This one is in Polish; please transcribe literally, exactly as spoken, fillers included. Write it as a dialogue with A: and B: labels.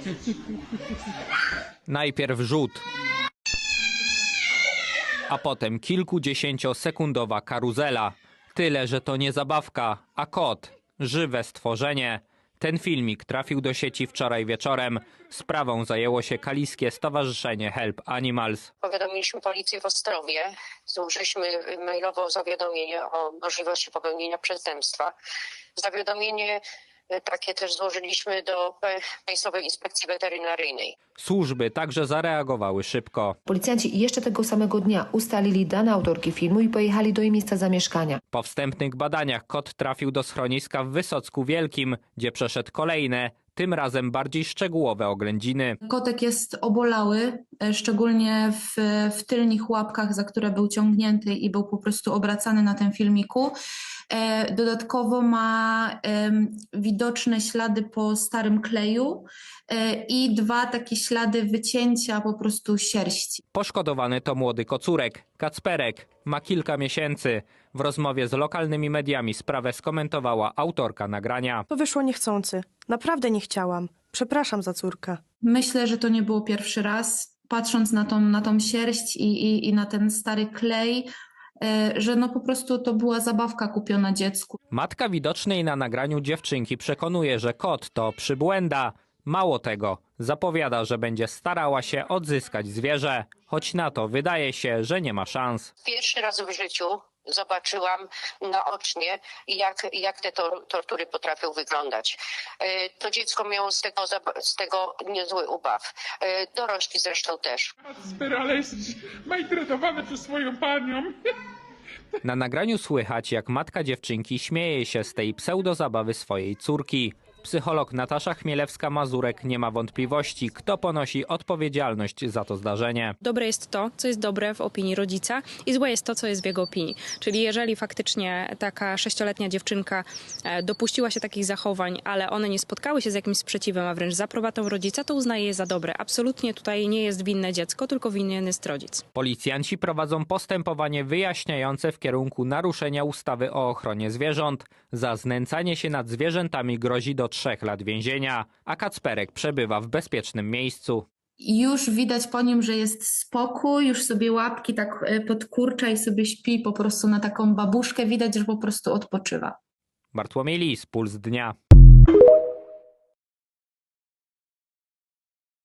A: Najpierw rzut, a potem kilkudziesięciosekundowa karuzela. Tyle, że to nie zabawka, a kot. Żywe stworzenie. Ten filmik trafił do sieci wczoraj wieczorem. Sprawą zajęło się kaliskie stowarzyszenie Help Animals.
B: Powiadomiliśmy policję w Ostrowie. Złożyliśmy mailowo zawiadomienie o możliwości popełnienia przestępstwa. Zawiadomienie takie też złożyliśmy do Państwowej Inspekcji Weterynaryjnej.
A: Służby także zareagowały szybko.
C: Policjanci jeszcze tego samego dnia ustalili dane autorki filmu i pojechali do jej miejsca zamieszkania.
A: Po wstępnych badaniach kot trafił do schroniska w Wysocku Wielkim, gdzie przeszedł kolejne, tym razem bardziej szczegółowe oględziny.
D: Kotek jest obolały, szczególnie w, w tylnych łapkach, za które był ciągnięty i był po prostu obracany na tym filmiku. Dodatkowo ma widoczne ślady po starym kleju i dwa takie ślady wycięcia po prostu sierści.
A: Poszkodowany to młody kocurek, Kacperek. Ma kilka miesięcy. W rozmowie z lokalnymi mediami sprawę skomentowała autorka nagrania.
E: To wyszło niechcący. Naprawdę nie chciałam. Przepraszam za córkę.
D: Myślę, że to nie było pierwszy raz. Patrząc na tą, na tą sierść i, i, i na ten stary klej, że no po prostu to była zabawka kupiona dziecku.
A: Matka widocznej na nagraniu dziewczynki przekonuje, że kot to przybłęda. Mało tego, zapowiada, że będzie starała się odzyskać zwierzę, choć na to wydaje się, że nie ma szans.
B: Pierwszy raz w życiu zobaczyłam naocznie, jak, jak te tor tortury potrafią wyglądać. To dziecko miało z tego, z tego niezły ubaw. Dorośli zresztą też.
F: Ale jest maltretowany przez swoją panią.
A: Na nagraniu słychać, jak matka dziewczynki śmieje się z tej pseudozabawy swojej córki. Psycholog Natasza Chmielewska-Mazurek nie ma wątpliwości, kto ponosi odpowiedzialność za to zdarzenie.
G: Dobre jest to, co jest dobre w opinii rodzica i złe jest to, co jest w jego opinii. Czyli jeżeli faktycznie taka sześcioletnia dziewczynka dopuściła się takich zachowań, ale one nie spotkały się z jakimś sprzeciwem, a wręcz z aprobatą rodzica, to uznaje je za dobre. Absolutnie tutaj nie jest winne dziecko, tylko winien jest rodzic.
A: Policjanci prowadzą postępowanie wyjaśniające w kierunku naruszenia ustawy o ochronie zwierząt. Za znęcanie się nad zwierzętami grozi do trzech lat więzienia, a Kacperek przebywa w bezpiecznym miejscu.
D: Już widać po nim, że jest spokój, już sobie łapki tak podkurcza i sobie śpi po prostu na taką babuszkę. Widać, że po prostu odpoczywa.
A: Bartłomiej Lis, Puls Dnia.